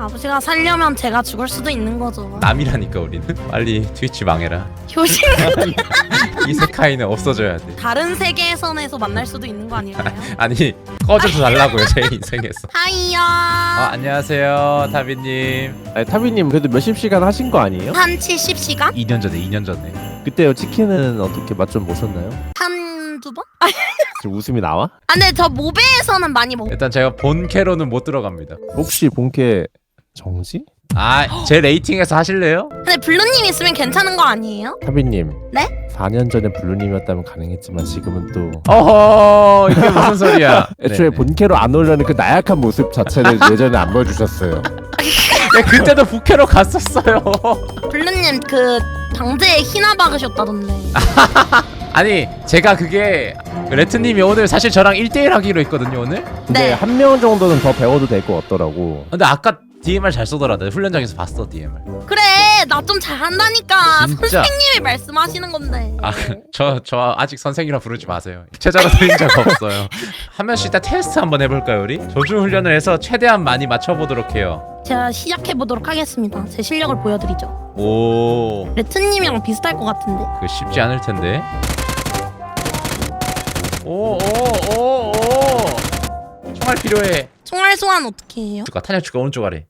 아버지가 살려면 제가 죽을 수도 있는 거죠. 남이라니까 우리는. 빨리 트위치 망해라. 효신 이세카이는 없어져야 돼. 다른 세계선에서 만날 수도 있는 거 아닐까요? 아니 꺼져서 달라고요 제 인생에서. 하이요. 안녕하세요 타비님. 아니 타비님 그래도 몇십 시간 하신 거 아니에요? 한 70시간? 2년 전에. 그때요 치킨은 어떻게 맛 좀 보셨나요? 한두 번? 지금 웃음이 나와? 아 근데 저 모베에서는 많이 먹. 일단 제가 본캐로는 못 들어갑니다. 혹시 본캐 정지? 제 레이팅에서 하실래요? 근데 블루님 있으면 괜찮은 거 아니에요? 타비님 네? 4년 전에 블루님이었다면 가능했지만 지금은 또 어허 이게 무슨 소리야. 애초에 네네. 본캐로 안 오려는 그 나약한 모습 자체를 예전에 안 보여주셨어요. 그때도 부캐로 갔었어요. 블루님 그 방제에 희나 박으셨다던데. 아니 제가 그게 레트님이 오늘 사실 저랑 1대1 하기로 했거든요 오늘. 근데 네. 한 명 정도는 더 배워도 될 것 같더라고. 근데 아까 DMR 잘 쏘더라. 나 훈련장에서 봤어 DMR. 그래 나 좀 잘한다니까. 진짜. 선생님이 말씀하시는 건데. 저 아직 선생이라 부르지 마세요. 최저로 드린 적 없어요. 한 명씩 일단 테스트 한번 해볼까요 우리? 조준 훈련을 해서 최대한 많이 맞춰보도록 해요. 제가 시작해 보도록 하겠습니다. 제 실력을 보여드리죠. 오, 레트님이랑 비슷할 것 같은데. 그 쉽지 않을 텐데. 오. 총알 필요해. 총알 소환 어떻게 해요? 탄약 추가 오른쪽 아래.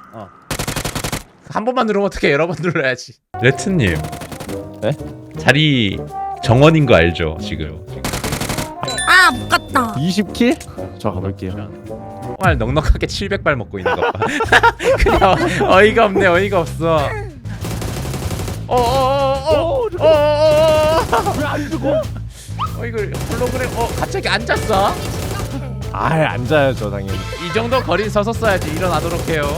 한 번만 누르면 어떻게 여러 번 눌러야지. 레트님. 네? 자리 정원인 거 알죠 지금? 아 못 갔다. 20킬? 저 가볼게요. 총알 넉넉하게 700발 먹고 있는 것 봐. 그냥 어이가 없네. 어이가 없어. 왜안 죽어? 이걸 홀로그램 갑자기 앉았어? 아예 앉아야죠 당연히. 이 정도 거리 서서 써야지. 일어나도록 해요.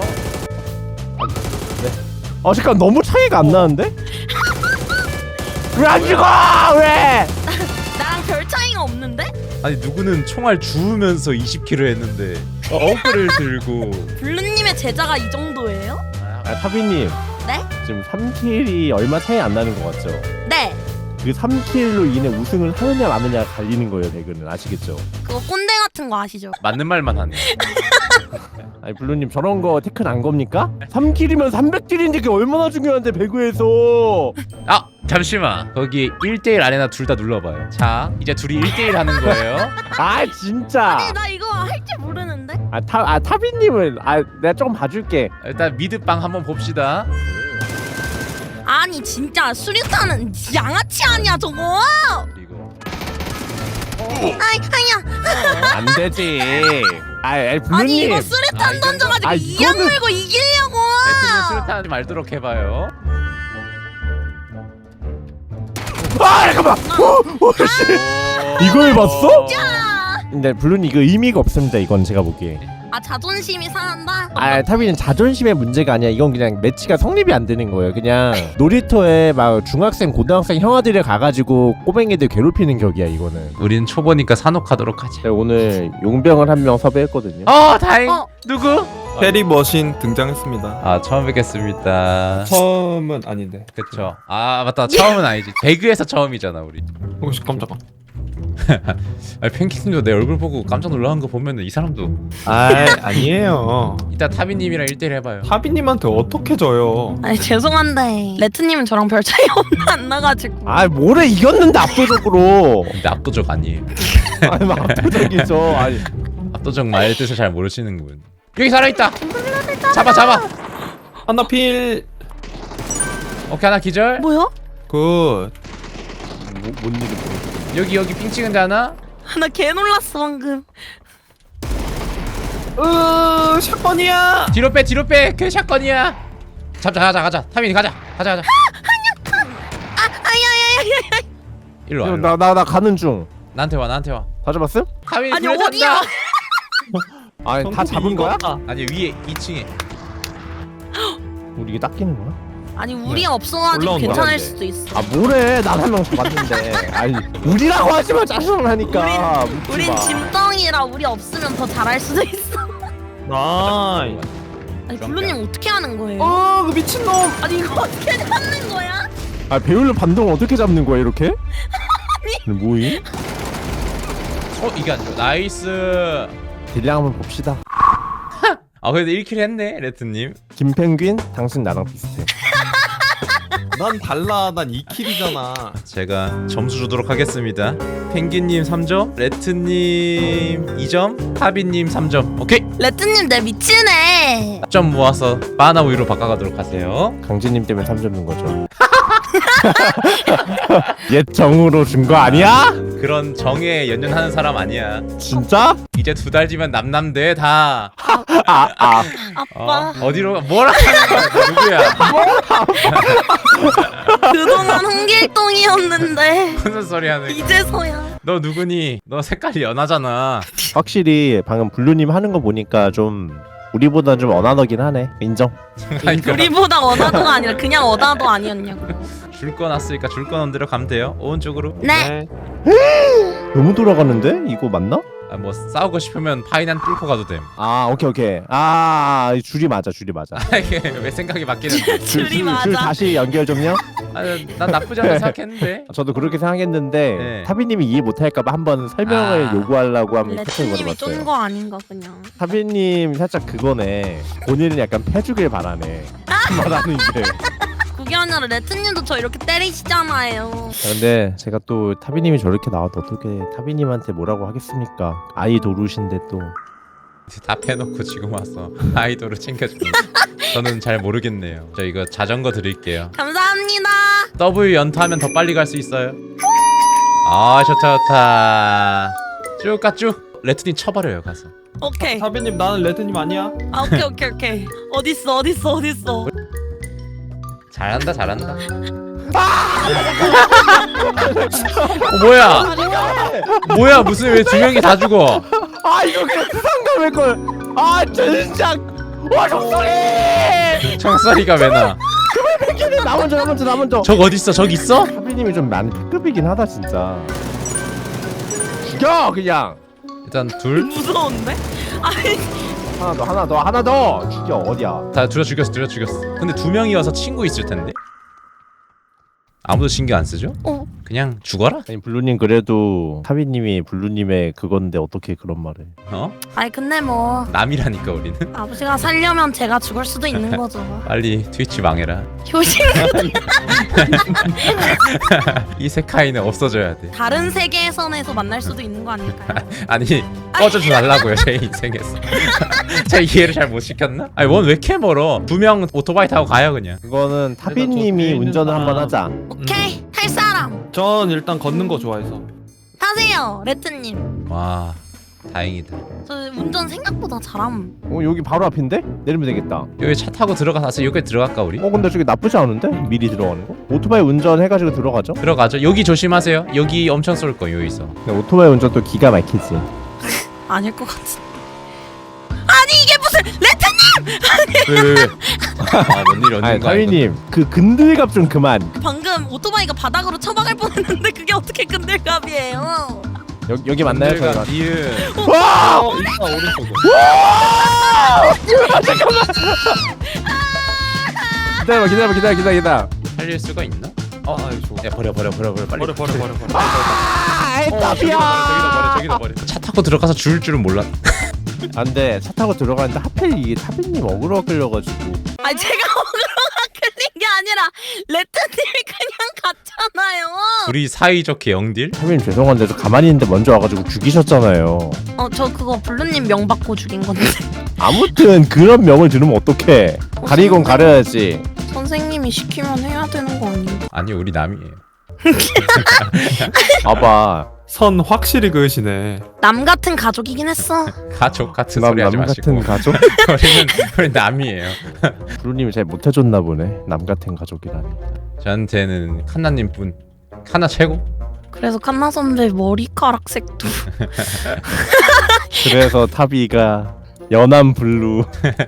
잠깐 너무 차이가 안 나는데? 왜 안 죽어? 왜? 나랑 별 차이가 없는데? 아니 누구는 총알 주우면서 20kg 했는데 어그를 들고. 블루님의 제자가 이 정도예요? 타비님 네? 지금 3킬이 얼마 차이 안 나는 것 같죠? 네. 그 3킬로 인해 우승을 하느냐 마느냐가 갈리는 거예요 배그는. 아시겠죠? 그거 꼰대 같은 거 아시죠? 맞는 말만 하네. 아니 블루님 저런 거 태클 안 겁니까? 3킬이면 300킬인데 그게 얼마나 중요한데 배그에서. 잠시만. 거기 1대1 아레나 둘 다 눌러봐요. 자 이제 둘이 1대1 하는 거예요. 아 진짜. 아니 나 이거 할 줄 모르는데? 타비님은 내가 조금 봐줄게. 일단 미드빵 한번 봅시다. 아니 진짜 수류탄은 양아치 아니야 저거? 그리고 아야. 안 되지. 블루님. 아니 이거 수류탄 던져가지고 이악 이거는- 물고 이기려고. 레트님 수류탄 하지 말도록 해봐요. 잠깐만. 이걸 봤어? 근데 블루님 이거 의미가 없습니다. 이건 제가 보기에. 자존심이 상한다? 타비는 자존심의 문제가 아니야. 이건 그냥 매치가 성립이 안 되는 거예요. 그냥 놀이터에 막 중학생 고등학생 형아들이 가가지고 꼬맹이들 괴롭히는 격이야 이거는. 우린 초보니까 산옥하도록 하지. 제가 오늘 용병을 한 명 섭외했거든요. 다행. 누구? 페리 머신 등장했습니다. 처음 뵙겠습니다. 처음은 아닌데. 그쵸. 맞다. 처음은 아니지. 배그에서 처음이잖아 우리. 혹시 깜짝아. 아니 팬키님도 내 얼굴 보고 깜짝 놀라는 거 보면은 이 사람도. 아니에요. 이따 타비님이랑 1대1 해봐요. 타비님한테 어떻게 져요? 아니 죄송한데 레트님은 저랑 별 차이 안 나가지고. 뭐래 이겼는데 압도적으로. 근데 압도적 아니에요. 막 압도적이죠. 압도적 말의 뜻을 잘 모르시는군. 여기 살아있다. 잡아. 하나 필. 오케이 하나 기절. 뭐야? 굿. 뭔 일이 벌어졌어. 여기 삥 찍은 데 하나. 나 개 놀랐어 방금. 샷건이야. 뒤로 빼. 그 샷건이야. 가자. 타빈이 가자. 아야야야야야. 일로 와. 일로 와. 나 가는 중. 나한테 와. 다 잡았음? 타빈이 아니 불에 어디야? 탄다. 다 잡은 거야? 아니 위에 2층에. 우리 이게 닦이는 거야? 아니 우리 없어가지고 올라온다. 괜찮을 수도 있어. 뭐래 난 한 명 잡았는데. 우리라고 하지마 짜증을 하니까. 우린 짐덩이라 우리 없으면 더 잘할 수도 있어. 나이. 아니 블루님 어떻게 하는 거예요? 그 미친놈. 아니 이거 어떻게 잡는 거야? 배율로 반동을 어떻게 잡는 거야 이렇게? 뭐임? 이게 안 좋아. 나이스. 딜량 한번 봅시다. 아 그래도 1킬 했네 레트님. 김펭귄 당신 나랑 비슷해. 난 달라. 난 2킬이잖아. 제가 점수 주도록 하겠습니다. 펭귄님 3점, 레트님 2점, 타비님 3점. 오케이. 레트님 내 미치네. 점 모아서 바나 우유로 바꿔가도록 하세요. 강진님 때문에 3점 준 거죠. 옛 정으로 준 거 아니야? 그런 정에 연연하는 사람 아니야. 진짜? 이제 2달 뒤면 남남대 다. 아빠 어디로 뭐라 하는 거야? 누구야? 그동안 홍길동이었는데 무슨 소리 하는 거야? 이제서야. 너 누구니? 너 색깔이 연하잖아. 확실히 방금 블루님 하는 거 보니까 좀 우리보다 좀 어나더긴 하네. 인정. 그러니까 우리보다 어나도가 아니라 그냥 어나도 아니었냐고. 줄 거 났으니까 줄 거 넣은 대로 가면 돼요. 오른쪽으로. 네. 너무 돌아가는데? 이거 맞나? 아, 뭐 싸우고 싶으면 파이난 뚫고 가도 됨. 아 오케이. 줄이 맞아. 아, 이게 왜 생각이 바뀌는데? 줄이 맞아. 줄 다시 연결 좀요. 아, 난 나쁘지 않다 생각했는데. 저도 그렇게 생각했는데 네. 타비님이 이해 못할까봐 한번 설명을 아. 요구하려고 한번 채팅을 레트님이 쫀 걸어봤어요. 거 아닌가 그냥. 타비님 살짝 그거네. 본인은 약간 패주길 바라네. 말하는 게. 그게 아니라 레트님도 저 이렇게 때리시잖아요. 근데 제가 또 타비님이 저렇게 나와도 어떻게 타비님한테 뭐라고 하겠습니까? 아이 도루신데 또. 다 패놓고 지금 와서 아이돌을 챙겨주고. 저는 잘 모르겠네요. 저 이거 자전거 드릴게요. 감사합니다. W 연타하면 더 빨리 갈 수 있어요. 아 좋다. 쭉 가 쭉. 레트님 쳐버려요 가서. 오케이. 사비님 나는 레드님 아니야? 아 오케이. 어딨어. 잘한다. 뭐야 무슨 왜 2명이 다 죽어? 아 이거 그냥 상담할 걸. 아 진짜. 와 적소리. 청소리가 왜 나? 나 먼저. 적 어딨어? 적 있어? 타비님이 좀 많이 B급이긴 하다 진짜. 죽여 그냥. 일단 둘. 무서운데? 아니 하나 더. 죽여 어디야? 다 둘 다 죽였어. 근데 2명이어서 친구 있을 텐데. 아무도 신경 안 쓰죠? 그냥 죽어라? 아니 블루님 그래도 타비님이 블루님의 그건데 어떻게 그런 말을? 어? 아니 근데 뭐 남이라니까 우리는. 아버지가 살려면 제가 죽을 수도 있는 거죠. 빨리 트위치 망해라. 효신 이세카이는 없어져야 돼. 다른 세계선에서 만날 수도 있는 거 아닐까요? 아니 꺼져줘 달라고요 제 인생에서. 제가 이해를 잘 못 시켰나? 아니 원 왜 이렇게 멀어? 2명 오토바이 타고 가요 그냥. 그거는 타비님이 뒤에 있는 운전을 한번 사람. 하자. 오케이 탈 사람 전 일단 걷는 거 좋아해서. 타세요 레트님. 와 다행이다. 저 운전 생각보다 잘함. 여기 바로 앞인데? 내리면 되겠다. 여기 차 타고 들어가서 여기 들어갈까 우리? 근데 저기 나쁘지 않은데? 미리 들어가는 거? 오토바이 운전해가지고 들어가죠. 들어가죠. 여기 조심하세요. 여기 엄청 쏠 거예요 여기서. 근데 오토바이 운전 또 기가 막히지. 아닐 것 같은. 아니 이게 무슨 레트님! 왜? 아뭔 일이 아니 없는 거 아닌가? 타비님 그 근들갑 좀 그만. 방금 오토바이가 바닥으로 쳐박을 뻔했는데 그게 어떻게 근들갑이에요? 여기 맞나요? 저희 내가 니은. 와! 일단 오른쪽으로. 기다려. 살릴 수가 있나? 아 좋아. 야 버려 빨리. 버려. 아, 저기다 버려. 차 타고 들어가서 죽을 줄은 몰랐. 안돼. 차 타고 들어가는데 하필 이게 타비님 어그로 끌려가지고. 아니 제가 어그로가 끌린 게 아니라 레트님이 그냥 갔잖아요. 우리 사이좋게 영딜? 타비님 죄송한데 저 가만히 있는데 먼저 와가지고 죽이셨잖아요. 저 그거 블루님 명 받고 죽인 건데. 아무튼 그런 명을 들으면 어떡해. 가리곤 가려야지. 선생님이 시키면 해야 되는 거 아닌가? 아니 우리 남이에요. 봐봐. 선 확실히 그으시네. 남 같은 가족이긴 했어. 가족 같은 소리 하지 남 마시고. 같은 가족? 우리 남이에요. 브루님이 잘 못해줬나 보네. 남 같은 가족이라니. 저한테는 칸나님뿐. 칸나 최고. 그래서 칸나 선배 머리카락 색도. 그래서 타비가 연한 블루.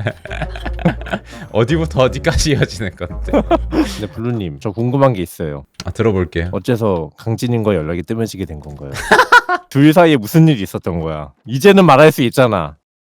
어디부터 어디까지 이어지는 건데? 근데 블루님 저 궁금한 게 있어요. 아 들어볼게요. 어째서 강진님과 연락이 뜸해지게 된 건가요? 둘 사이에 무슨 일이 있었던 거야? 이제는 말할 수 있잖아.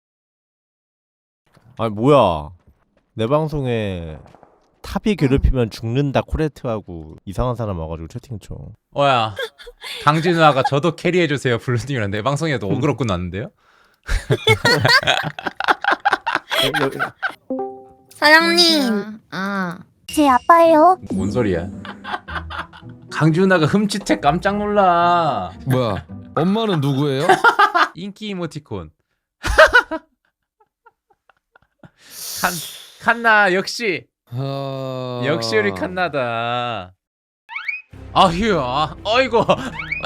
아니 뭐야? 내 방송에 탑이 괴롭히면 죽는다 코레트하고 이상한 사람 와가지고 채팅 쳐. 어야 강진우아가 저도 캐리해주세요 블루님이랑 내 방송에도 어그로 끝났는데요? 사장님. 제 아빠예요. 뭔 소리야? 강지 누나가 흠칫해 깜짝 놀라. 뭐야? 엄마는 누구예요? 인기 이모티콘. 칸나 역시 아... 역시 우리 칸나다. 아휴, 아이고.